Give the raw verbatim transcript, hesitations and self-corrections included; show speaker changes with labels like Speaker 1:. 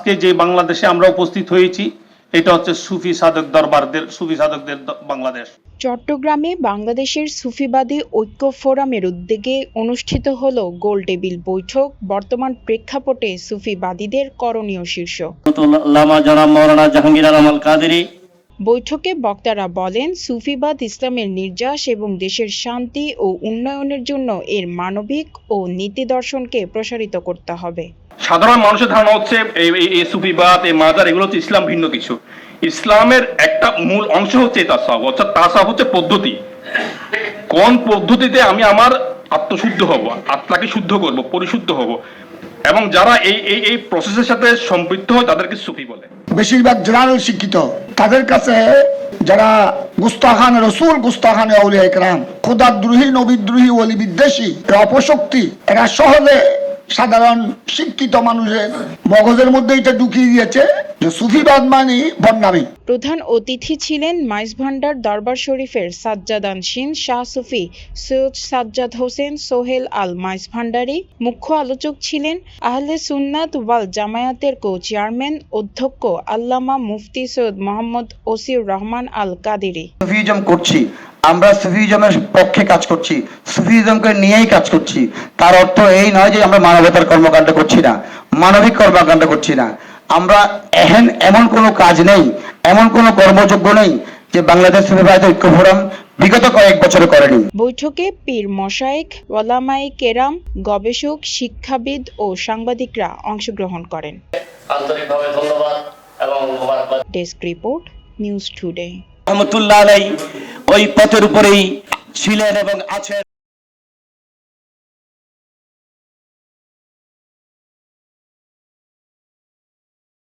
Speaker 1: আজকে যে বাংলাদেশে আমরা উপস্থিত হয়েছি এটা হচ্ছে সুফি সাধক দরবারদের সুফি সাধকদের বাংলাদেশ।
Speaker 2: চট্টগ্রামে বাংলাদেশের সুফিবাদী ঐক্য ফোরামের উদ্যোগে অনুষ্ঠিত হলো গোল টেবিল বৈঠক। বর্তমান প্রেক্ষাপটে সুফিবাদীদের করণীয় শীর্ষক বৈঠকে বক্তারা বলেন, সুফিবাদ ইসলামের নির্যাস এবং দেশের শান্তি ও উন্নয়নের জন্য এর মানবিক ও নীতি দর্শনকে প্রসারিত করতে হবে।
Speaker 1: সাধারণ মানুষের ধারণা হচ্ছে এই সুফিবাদ এই মাজার এগুলো হচ্ছে ইসলাম ভিন্ন কিছু। ইসলামের একটা মূল অংশ হচ্ছে তাসাউফ, অর্থাৎ তাসাউফ হচ্ছে পদ্ধতি। কোন পদ্ধতিতে আমি আমার আত্মশুদ্ধ হব, আত্মাকে শুদ্ধ করব, পরিশুদ্ধ হব, এবং যারা এই এই এই প্রসেসের সাথে সম্পৃক্ত হয় তাদেরকে সুফি বলে।
Speaker 3: বেশিরভাগ জেনারেল শিক্ষিত, তাদের কাছে যারা গুস্তাখান রসুল, গুস্তাখান আউলিয়া ইকরাম, খোদাদ্রোহী, নবীদ্রোহী, ওলি বিদ্বেষী, অপশক্তি, এরা সহজে সাধারণ শিক্ষিত মানুষের মগজের মধ্যে এটা ঢুকিয়ে দিয়েছে যে সুফিবাদ মানে বদনামি।
Speaker 2: প্রধান অতিথি ছিলেন মাইজভান্ডার দরবার শরীফের সাজ্জাদানশীন শাহ সুফি সৈয়দ সাজ্জাদ হোসেন সোহেল আল মাইজভান্ডারী। মুখ্য আলোচক ছিলেন আহলে সুন্নাত ওয়াল জামায়াতের কো চেয়ারম্যান অধ্যক্ষ আল্লামা মুফতি সৈয়দ মোহাম্মদ ওসিউর রহমান আল কাদেরী।
Speaker 4: সুফিজম করছি, আমরা সুফিজমের পক্ষে কাজ করছি, সুফিজমকে নিয়েই কাজ করছি। তার অর্থ এই নয় যে আমরা মানবতার কর্মকাণ্ড করছি না, মানবিক কর্মকাণ্ড করছি না। আমরা এখন এমন কোনো কাজ নেই, এমন কোনো কর্মযোগ্য নেই যে বাংলাদেশ সুফিবাদ ঐক্য ফোরাম বিগত কয়েক বছরে করেনি।
Speaker 2: বৈঠকে পীর মশায়েখ, ওলামায়ে কেরাম, গবেষক, শিক্ষাবিদ ও সাংবাদিকরা অংশগ্রহণ করেন।
Speaker 5: আন্তরিকভাবে ধন্যবাদ এবং মোবারকবাদ।
Speaker 2: Desk report, news today.
Speaker 4: রহমতুল্লাহ আলাইহি ওই পথের উপরেই ছিলেন এবং আছেন।